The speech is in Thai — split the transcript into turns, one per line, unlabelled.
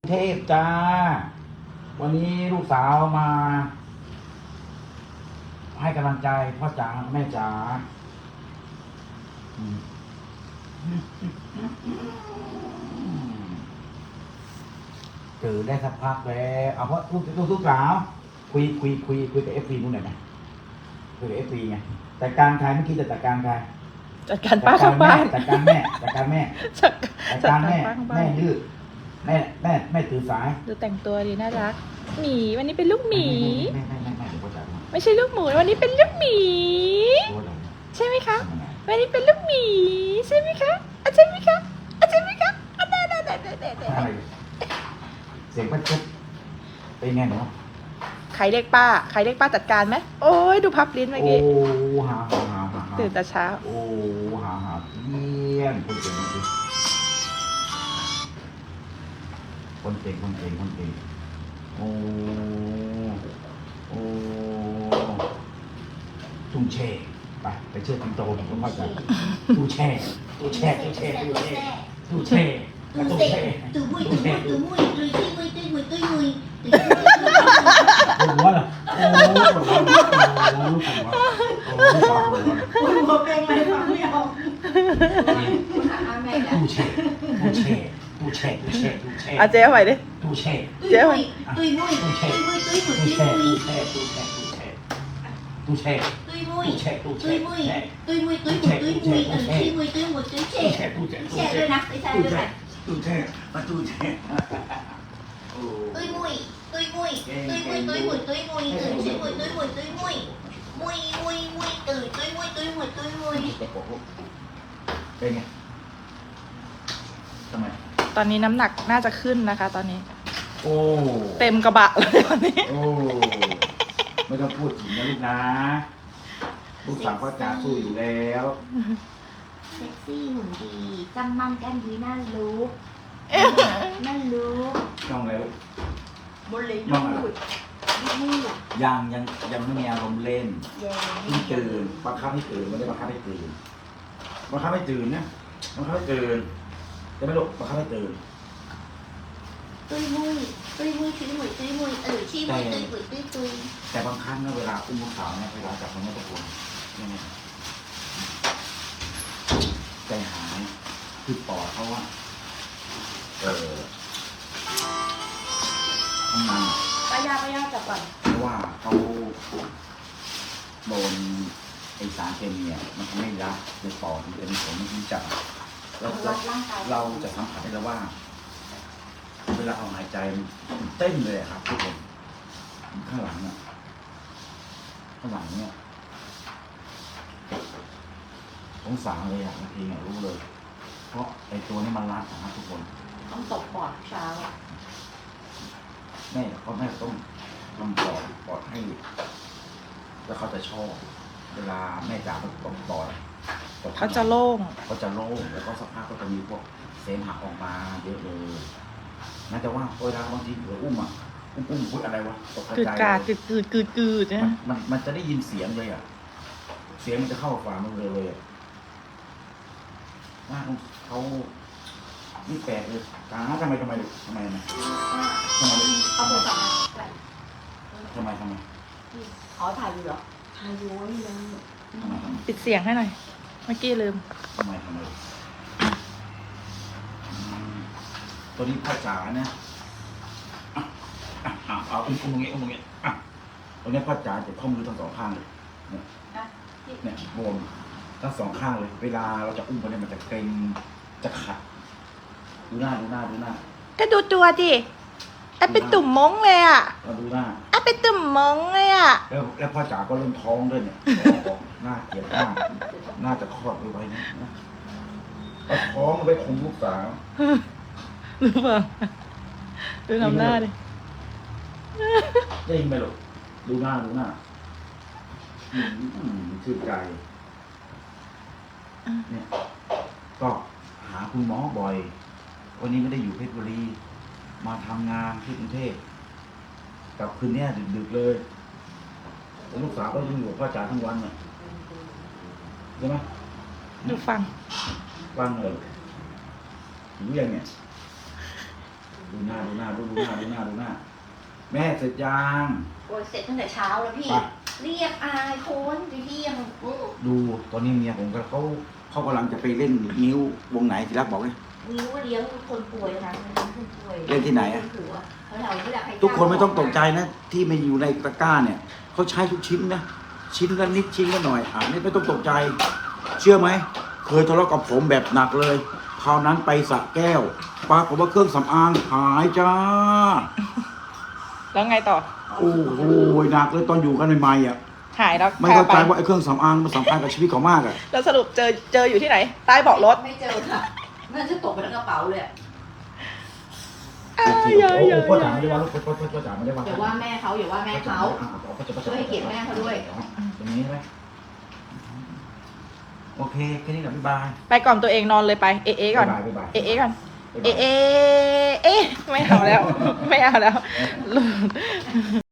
เทพจ้าวันนี้ลูกสาวมาให้กำลังใจพ่อจ๋าแม่จ๋าตื่นได้สักพักแล้วเอาเพราะลูกสาวคุยกับเอฟซีนู่นหน่อยไหมคุยกับเอฟซีไงจัดการใครเมื่อกี้จะจัดการใคร
จัดการป้าข้างบ้าน
จัดการแม่จัดการแม่แม่ดื้อแม่ตื่นสาย
ดูแต่งตัวดีน่ารักหมีวันนี้เป็นลูกหมี
แม่เดี๋ยวพ่อจ๋า
ไม่ใช่ลูกหมูวันนี้เป็นลูกหมีใช่ไหมคะวันนี้เป็นลูกหมีใช่ไหมคะใช่ไหมคะใช่ไหมคะ
อะไรเสียงพัดเป็นไงเนาะ
ใครเรียกป้าจัดการไหมโอ้ยดูพับลิ้นเมื่อกี้
โอ้หา
ตื่นแต่เช้า
โอ้หาเยี่ยมคนเก่งโอ้ตุ้งแช่ไปเชื่อติงโตผมก็เข้าใจตุ้งแช่
ตู้เซ่ตู้มุ้ยตุยที่มุ้ย
หัวเหรอโอ้ลูกหัว
เป็นอะไรฟังไม่ออก
ตู้แช่
อาเจ๊ใหม่ดิ
ตู้แช่
เจ๊ใหม่
ตุยมุ้ย
ตู้แช่
ด้วยนะไม่ใช่ด้วยนะ
ตู้แช่
ตุยมุ้ยตื่นชื่อมุ้ยตื่นมุ้ยตื่น
เป็นไงทำไม
ตอนนี้น้ำหนักน่าจะขึ้นนะคะตอนนี้
โอ้
เต็มกระบะเลยตอนนี้
โอ้ไม่ต้องพูดถึงนะลูกนะลูกสาวพ่อจ๋าสู้อยู่แล้ว
เซ็กซี่หุ่นดีจำมั่นกันดีน่ารู้
น้องแล้ว
บนเลย
น้องอะไรยังไม่มีอารมณ์เล่นที่ตื่นบังคับให้ตื่นไม่ได้บังคับให้ตื่นนะบังคับให้ตื่นจะไม่ลุกบังคับให้ตื่น
ตุยมุ้ยชี้มุ้ยชี้มุ้ย
แต่บางครั้งนะเวลาอุ้มลูกสาวเนี่ยเวลาจับมันไม่ตะโกนเนี่ยใจหายคือปอดเขาว่าทำงาน
ป้ายาจับก่อน
เพราะว่าเขาโดนไอสารเคมีมันทำให้ยับในปอดมันจะมีผลที่จะเราจะสัมผัสได้แล้วว่าเวลาเขาหายใจเต้นเลยครับทุกคนข้างหลังเนี่ยสงสารเลยบางทีเนี่ยรู้เลยเพราะไอตัวนี้มันรัดนะครับทุกคน
ต้องตบปอดเช้า
แม่ต้องทำปอดให้แล้วเขาจะชอบเวลาแม่จ๋าตบปอด
เขาจะโล่ง
แล้วก็สักพักก็จะมีพวกเสมหะออกมาเยอะเลยน่าจะว่าเวลาบางทีเผื่ออุ้มพูดอะไรวะตกใจ
กืดนะ
มันจะได้ยินเสียงเลยเสียงมันจะเข้าฝ่ามือเลยว่าเขานี่แปลกเลยทำไมเอา
มือจับ
ทำไม
ถ่ายอยู่เหรอถ่ายอยู่นี่เลย
ปิดเสียงให้หน่อยเมื่อกี้ลืม
ทำไมตัวนี้พ่อจ๋าเนี่ยเอาอุ้มตรงนี้ตรงนี้พ่อจ๋าจะข้อมือทั้งสองข้างเลยเนี่ยบวมทั้งสองข้างเลยเวลาเราจะอุ้มไปเนี่ยมันจะเกร็งจะขัดดูหน้า
ก็ดูตัวดิเป็นตุ่มม้งเลย
ดูหน้า
เป็นตุ่มม้งเลย
แล้วพ่อจ๋าก็เริ่มท้องด้วยเนี่ยหน้าเกลียดมากน่าจะคลอดไปนะเอาท้องไปคุมลูกสาว
รู้ป่ะดูทำหน้าดิ
ได้ยินไหมลูกดูหน้าชื่นใจเนี่ยก็หาคุณหมอบ่อยวันนี้ไม่ได้อยู่เพชรบุรีมาทำงานที่กรุงเทพกับคืนนี้ดึกเลยลูกสาวก็ยังอยู่กับพ่อจ๋าทั้งวันเนี่ยใช่ไหม
ดูฟัง
เลยรู้ยังเนี่ยดูหน้าแม่เสร็จยัง
โอ้ยเสร็จตั้งแต่เช้าแล้วพี่
ไป
เรียกอายคนไปเที่ยง
ดูตอนนี้เมียผมก็เขากำลังจะไปเล่นนิ้ววงไหนที่รักบอกเลย
นิ้วเลี้ยงคนป่วยนะคนป่วย
เล่นที่ไหนอะ
เขาเราไม่อยากให้
ทุกคนไม่ต้องตกใจนะ ที่ไม่อยู่ในตะกร้าเนี่ยเขาใช้ทุกชิ้นนะ ชิ้นละนิดชิ้นละหน่อยนี่ไม่ต้องตกใจ เชื่อไหมเคยทะเลาะกับผมแบบหนักเลยคราวนั้นไปสระแก้วปรากฏว่าเครื่องสำอางหายจ้า
แล้วไงต่อ
โอ้โหหนักเลยตอนอยู่กันใหม่ๆอ่ะ
หายแล้ว
ไม่เข้าใจ
พไป
ว่าไอ้เครื่องสำอางมันสำคัญกับชีวิตเขามากอ่ะ
แล้วสรุปเจออยู่ที่ไหน ใต้เบาะรถ
ไม่เจอค่ะน่าจะตกไปในกระเป๋าเลยอะ
โอเคโอ้พ่อจ๋าไม่ได้ว่าลูกพ่อจ๋าไม่ได้ว่า
อย่าว่าแม่เขาอย่าว่าแม่เขา ช่วยให้เกียรติแม่เขาด้วย
อย่างนี้ใช่ไหมโอเคแค่นี้แหละบ๊ายบาย
ไปก่อนตัวเองนอนเลยไป เอะก่อน
บ๊ายบาย
เอะก่อน เอะไม่เอาแล้ว ไม่เอาแล้ว